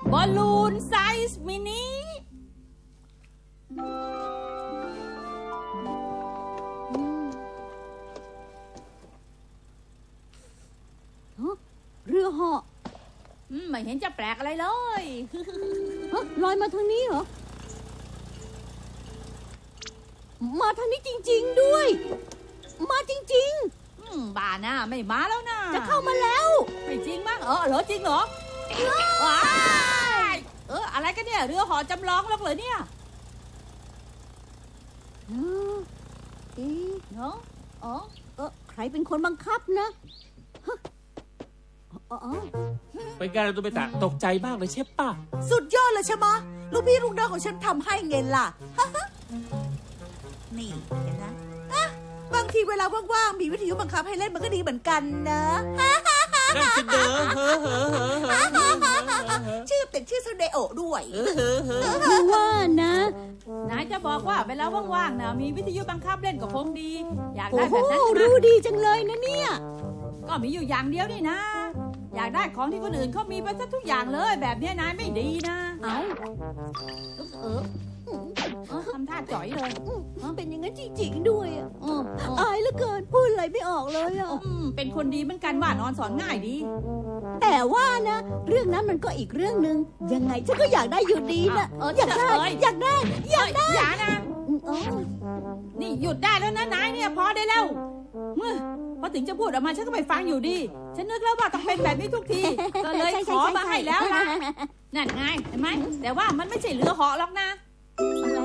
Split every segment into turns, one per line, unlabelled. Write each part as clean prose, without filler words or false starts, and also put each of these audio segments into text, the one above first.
บอลลูนไซส์มินิ
เรือเหาะ
ไม่เห็นจะแปลกอะไรเลย
ลอยมาทางนี้เหรอมาทางนี้จริงๆด้วยมาจริง
ๆบ้านะไม่มาแล้วนะ
จะเข้ามาแล้ว
ไม่จริงมั้งเหรอจริงเหรอว้ายอะไรกันเนี่ยเรือเหาะจำลองหรอกเหรอเนี่ย
ใครเป็นคนบังคับนะ
เป็นการตัวไปตะตกใจมากเลยใช่ป่ะ
สุดยอดเลยใช่ไหมลูกพี่ลูกน้องของฉันทำให้เงินล่ะนี่เห็นนะบางทีเวลาว่างๆมีวิทยุบังคับให้เล่นมันก็ดีเหมือนกันนะ
นั่นสิเด้อ
ชื่อเป็นชื่อซูเดโอด้วย
คือว่านะ
นายจะบอกว่าเวลาว่างๆนะมีวิทยุบังคับเล่นก็คงดีอยากได้แบบนั้น
รู้ดีจังเลยนะเนี่ย
ก็มีอยู่อย่างเดียวนี่นะอยากได้ของที่คนอื่นเขามีไปซะทุกอย่างเลยแบบนี้นายไม่ดีนะทำท่าจ่อยเลย
เป็นอย่างนั้นจริงๆด้วยอายเหลือเกินพูดอะไรไม่ออกเลย
เป็นคนดีเหมือนกันว่านอนสอนง่ายดี
แต่ว่านะเรื่องนั้นมันก็อีกเรื่องนึงยังไงฉันก็อยากได้อยู่ดีนะอยากได้อย่า
นะนี่หยุดได้แล้วนะนายเนี่ยพอได้แล้วพอถึงจะพูดออกมาฉันก็ไม่ฟังอยู่ดีฉันนึกแล้วว่าต้องเป็นแบบนี้ทุกทีก็เลยขอมาให้แล้วล่ะนั่นไงเห็นไหมแต่ว่ามันไม่ใช่เรือเหาะหรอกนะ
อะไร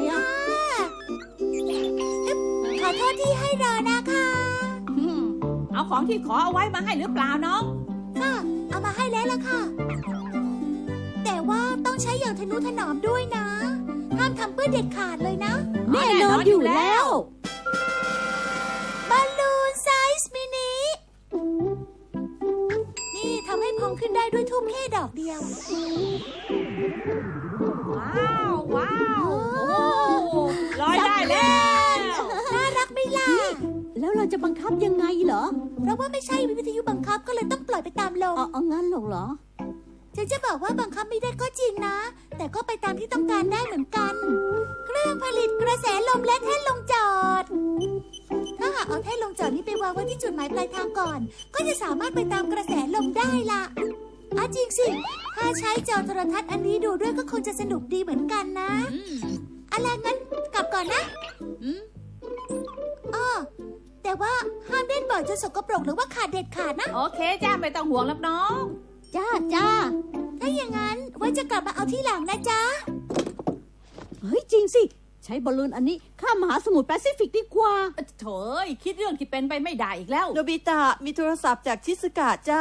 ขอโทษที่ให้รอนะคะ
เอาของที่ขอเอาไว้มาให้หรือเปล่าน้อง
ค่ะเอามาให้แล้วล่ะค่ะแต่ว่าต้องใช้อย่างทนุถนอมด้วยนะห้ามทำเปื้อนเด็ดขาดเลยนะ
แน่นอนอยู่แล้ว
บอลลูนไซส์มินินี่ทำให้พองขึ้นได้ด้วยทูบแค่ดอกเดียว
ว้าวลอยได้แล้ว
น่ารักไหมล่ะ
แล้วเราจะบังคับยังไงเหรอ
เพราะว่าไม่ใช่วิทยุบังคับก็เลยต้องปล่อยไปตามลม
งั้นเหรอ
ฉันจะบอกว่าบังคับไม่ได้ก็จริงนะแต่ก็ไปตามที่ต้องการได้เหมือนกันเครื่องผลิตกระแสลมและแท่นลงจอดถ้าหากเอาแท่นลงจอดนี้ไปวางไว้ที่จุดหมายปลายทางก่อนก็จะสามารถไปตามกระแสลมได้ล่ะจริงสิถ้าใช้จอโทรทัศน์อันนี้ดูด้วยก็คงจะสนุกดีเหมือนกันนะอะไรงั้นกลับก่อนนะแต่ว่าห้ามเล่นบ่อยจนสกปรกหรือว่าขาดเด็ดขาดนะ
โอเคจ้าไม่ต้องห่วงแล้วน้อง
จ้า
ถ้าอย่างนั้นไว้จะกลับมาเอาที่หลังนะจ๊ะ
เฮ้ยจริงสิใช้บอลลูนอันนี้ข้ามมหาสมุทรแปซิฟิกดีกว่า
โถ่คิดเรื่องที่เป็นไปไม่ได้อีกแล้ว
โนบิตะมีโทรศัพท์จากชิซึกะจ้า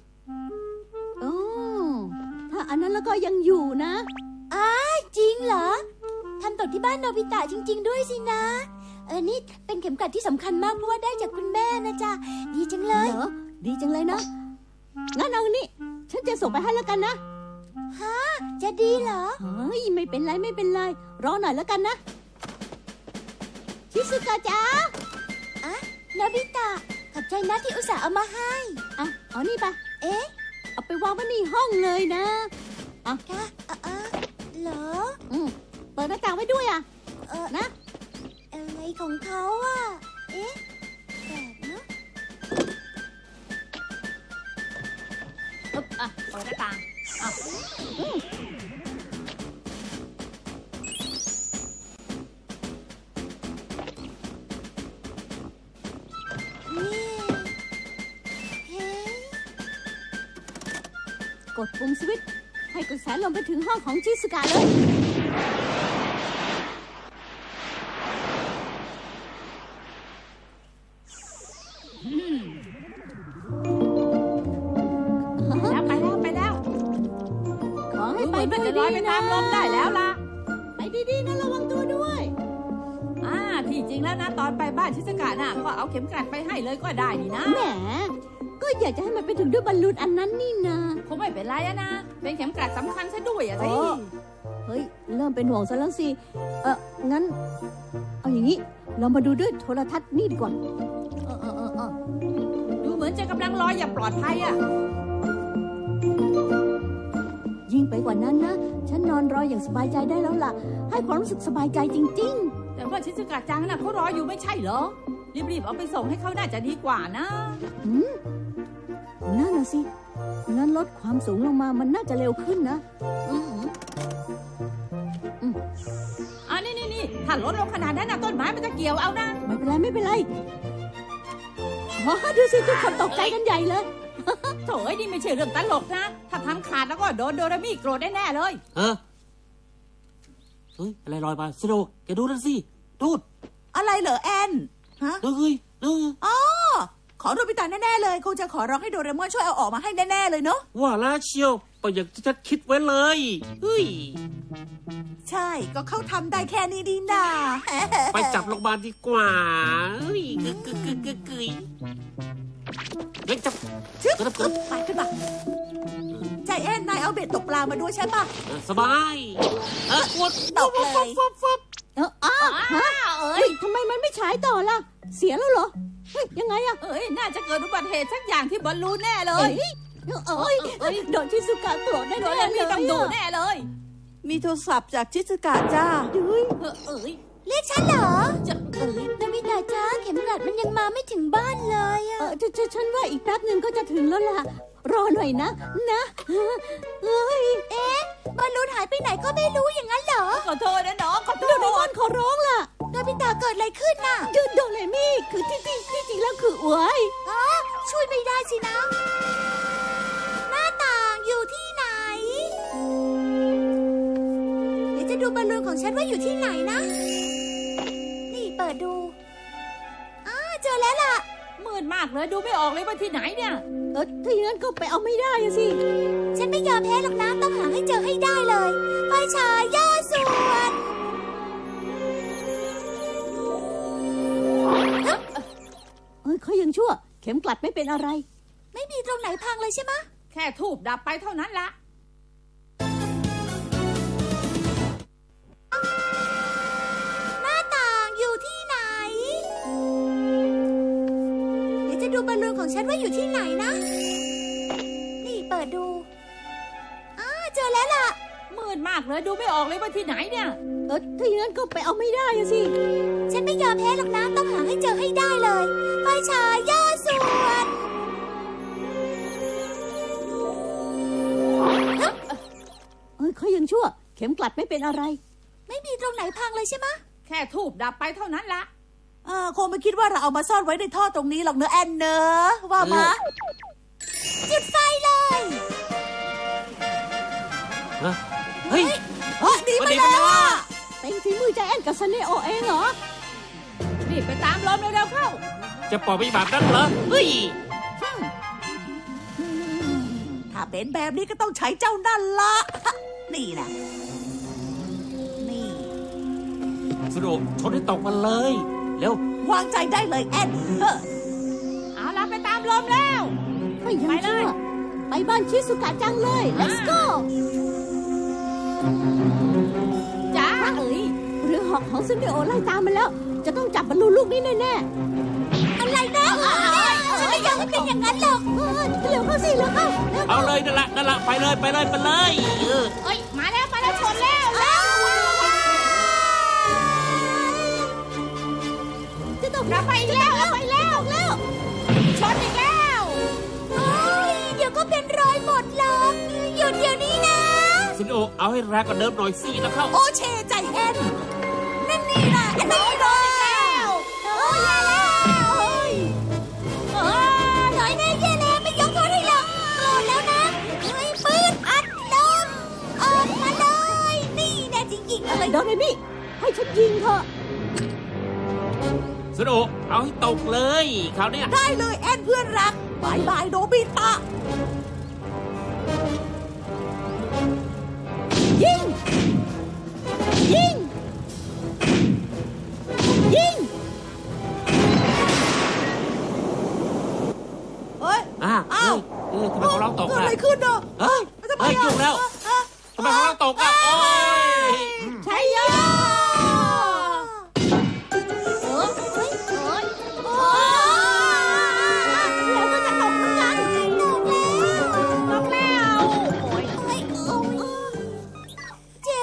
ถ้าอันนั้นแล้วก็ยังอยู่นะ
จริงเหรอทำตกที่บ้านโนบิตะจริงๆด้วยสินะนี่เป็นเข็มกลัดที่สำคัญมากเพราะว่าได้จากคุณแม่นะจ๊ะดีจังเลย
เหรอดีจังเลยนะงั้นเอานี่ฉันจะส่งไปให้แล้วกันนะ
จะดีเหรอ
เฮ้ยไม่เป็นไรรอหน่อยแล้วกันนะชิซึกะจ๋า
โนบิตะขอบใจนะที่อุตส่าห์เอามาให้
เอานี่ไปเอาไปวางไว้ในห้องเลยนะ
ค่ะเหรอ
เปิดหน้าต่างไว้ด้วยนะ
อะไรของเขาแบบนะ
เปิดหน้าต่าง
กดปุ่มสวิตช์ให้กระแสลมไปถึงห้องของชิซึกะเลย
ไปแล้ว
ขอให้ไปด้วย
ดีนะตามลมได้แล้วล่ะ
ไปดีๆนะระวังตัวด้วย
ที่จริงแล้วนะตอนไปบ้านชิซึกะน่ะก็เอาเข็มกลัดไปให้เลยก็ได้นี่นะ
แหมก็อยากจะให้มันไปถึงด้วยบอลลูนอันนั้นนี่นะ
คงไม่เป็นไรนะเป็นเข็มกลัดสำคัญซะด้วยสิ
เฮ้ยเริ่มเป็นห่วงซะแล้วสิงั้นเอาอย่างนี้เรามาดูด้วยโทรทัศน์นี่ดีกว่า
ดูเหมือนจะกำลังลอยอย่างปลอดภัย
ยิ่งไปกว่านั้นนะอนรออย่างสบายใจได้แล้วล่ะ ให้ความรู้สึกสบายใจจริง
แต่ว่าชิซุกะจังน่ะเขารออยู่ไม่ใช่เหรอรีบๆเอาไปส่งให้เขาน่าจะดีกว่านะ
ๆนั่นน่ะสิงั้นลดความสูงลงมามันน่าจะเร็วขึ้นนะ
นี่ถ้าลดลงขนาดนั้นนะต้นไม้มันจะเกี่ยวเอานะ
ไม่เป็นไรไม่เป็นไรอ๋อดูสิทุกคนตกใจกันใหญ่เลย
โถ่นี่ไม่ใช่เรื่องตลกนะ ถ้าทำขาดแล้วก็โดนโดรามิโกรธแน่ๆเลย
เฮ้ยอะไรลอยมาสโดแกดูนั่นสิดูด
อะไรเหรอแอนฮะ
ดูเฮ้ยดู
อ๋อของโนบิตะแน่ๆเลยคงจะขอร้องให้โดเรมอนช่วยเอาออกมาให้แน่ๆเลยเนาะ
ว่าแล้วเชียวไปอย่างที่ฉันคิดไว้เลยเฮ้ย
ใช่ก็เขาทำได้แค่นี้ดีนา
ไปจับโรงพยาบาลดีกว่าเฮ้ยกึกเฮ้ยจับ
ชึบไปขึ้นมาใจแอนนายเอาเบ็ดตกปลามาด้วยใช่ปะ
สบายกด
ตกเลย
ฮะเอ้ยทำไมมันไม่ฉายต่อล่ะ เสียแล้วเหรอ เฮ้ย ยังไงอะ
น่าจะเกิดอุบัติเหตุสักอย่างที่บอลลูนแน่เลย
โดนชิซุกะโกรธแน่
โด
ๆ
รา
เล
มิ
ย
ต้องดูแน่เลย
มีโทรศัพท์จากชิสกะจ้า
เรียกฉันเหรอ
จะ
นาบิตาจ้าเข็มกลัดมันยังมาไม่ถึงบ้านเลยอะ
ฉันว่าอีกแป๊บหนึ่งก็จะถึงแล้วล่ะ รอหน่อยนะเอ้ย
บอลลูนหายไปไหนก็ไม่รู้อย่างนั้นเหรอ
ขอโทษนะน้องขอโท
โดเรมอ
ษ
นขอร้องล่ะ
นาบิตาเกิดอะไรขึ้นน่ะ
โดเรมี่คือที่จริงแล้วคืออวย
ช่วยไม่ได้สินะ หน้าต่างอยู่ที่ไหน เดี๋ยวจะดูบอลลูนของฉันว่าอยู่ที่ไหนนะ นี่เปิดดูเจอแล้วล่ะ
มืดมากเลยดูไม่ออกเลยว่าที่ไหนเนี่ย
ถ้าอย่างนั้นก็ไปเอาไม่ได้อะสิ
ฉันไม่ยอมแพ้หรอกนะต้องหาให้เจอให้ได้เลย ไฟฉายย่อส่วน
เขายังชั่ว เข็มกลัดไม่เป็นอะไร
ไม่มีตรงไหนพังเลยใช่ไหมะ
แค่ทูบดับไปเท่านั้นละ
หน้าต่างอยู่ที่ไหน เดี๋ยวจะดูบอลลูนของฉันว่าอยู่ที่ไหนนะ นี่เปิดดูเจอแล้วล่ะ
มืดมากเลยดูไม่ออกเลยว่าที่ไหนเนี่ย
ถ้าอย่างนั้นก็ไปเอาไม่ได้อะสิ
ฉันไม่ยอมแพ้หรอกนะต้องหาให้เจอให้ได้เลย ไฟฉายย่อส่วน
เขายังชั่ว เข็มกลัดไม่เป็นอะไร
ไม่มีตรงไหนพังเลยใช่ไหมะ
แค่ทูบดับไปเท่านั้นละ
คงไม่คิดว่าเราเอามาซ่อนไว้ในท่อตรงนี้หรอกเนอะแอนเนอะว่ามา
จุดไฟเลย
เฮ้ย
ดีไปแล้วอะ
เป็นฝีมือใจแอนกับซันเนโอเองเหรอ
นี่ไปตามลมเร็วๆเข้า
จะปล่อยไปแบบนั้นเหรอเฮ้ย
ถ้าเป็นแบบนี้ก็ต้องใช้เจ้านั่นละ นี่แหละ นี่
สโดชนให้ตกมาเลยเร็ว
วางใจได้เลยแอนเออ
เอาล่ะไปตามลมแล้ว
ไม่ยัง
ไปเลย
ชั่ว ไปบ้านชิซุกะจังเลย let's go
จ้า
เรือหอกของซันเนโอไล่ตามมาแล้ว จะต้องจับบอลลูนลูกนี้แน่
อะไรนะฉันไม่ยอมให้เป็นอย่างนั้นหรอก
ๆเร็วเข้าสิเร็วเข้าเร็ว
เอา
เข้า
เลยนั่นละไปเลย
มาแล้วชนแล้วแล้ว
จะตก
เราไปอีกแล้วชนอีกแล้ว
เดี๋ยวก็เป็นรอยหมดเลยหยุดเดี๋ยวนี้นะ
สโดเอาให้แรงกว่าเดิมหน่อยสินะเข้า
โอเชใจแอนนั่นนี่นะอันนี้เลย
อย่าแล้วหน่อยแน่แย่แล้วไม่ยกโทษให้หรอกโกรธแล้วนะปืนอัดลมออกมาเลย นี่แน่จริงๆเลย
โดเรมี่ให้ฉันยิงเถอะ
สโดเอาให้ตกเลยคราวเนี้ย
ได้เลยแอนเพื่อนรักบายบายโนบิตะ
ยิง ยิง ยิง
เฮ้ย
อ้าวทำไมของเราตก
เกิด
อ่ะ
อะไรขึ้นเนอะ
เฮ้ย
ทำไม
ยุ่งแล้วทำไมของเราตกอ่ะโอ้ย
ใช่ยะ
แล้วก็จะตกเหมือนกันตกแล้ว
ตกแล้วโอ้ย
เจ็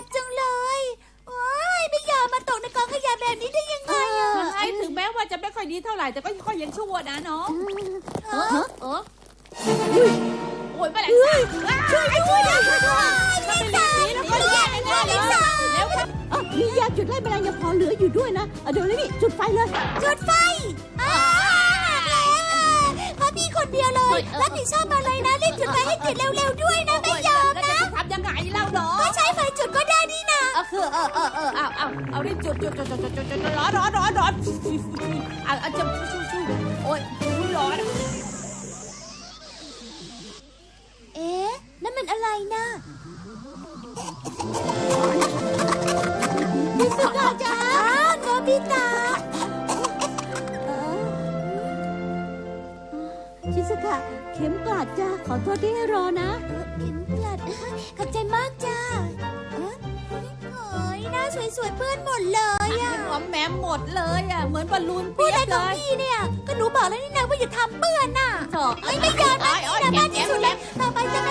โอ้ยแมลงสาบช่วยด้วยถ้าเป็นลิซ่าแล้วก็แย่แน่เลยแล้วครับ
มียาจุดไล่แมลงยังพอเหลืออยู่ด้วยนะเดี๋ยวเลยนี่จุดไฟเลย
จุดไฟเพราะพี่คนเดียวเลยรับผิดชอบมาเลยนะรีบจุดไฟให้ติดเร็วๆด้วยนะไม่ยอม
แล้ว
นะ
จะทำยังไงเล่าหรอ
ก็ใช้ไฟจุดก็ได้นี่นะ
เอารีบจุดร้อนเอาจะชูโอ้ยร้อน
เอ๊ะนั่นมันอะไรนะพิสุกาจ้าโนบิตะ
ชิซุกะเข็มกลัดจ้าขอโทษที่ให้รอนะ
เข็มกลัดขอบใจมากจ้าโอ้ยหน้าสวยๆเพื่อนหมดเลยอะ
หอมแหมหมดเลยอ่ะเหมือนบอลลูน
พูด
เปีย
อะไร
ก
ข
เล
อง
ย
พี่เนี่ยก็หนูบอกแล้วนี่นะว่าอย่าทำเปื้อนน่ะ
โถ่
ไม่ยอมนะนี่นะบ้านที่สุดแล้วต่อไปจะ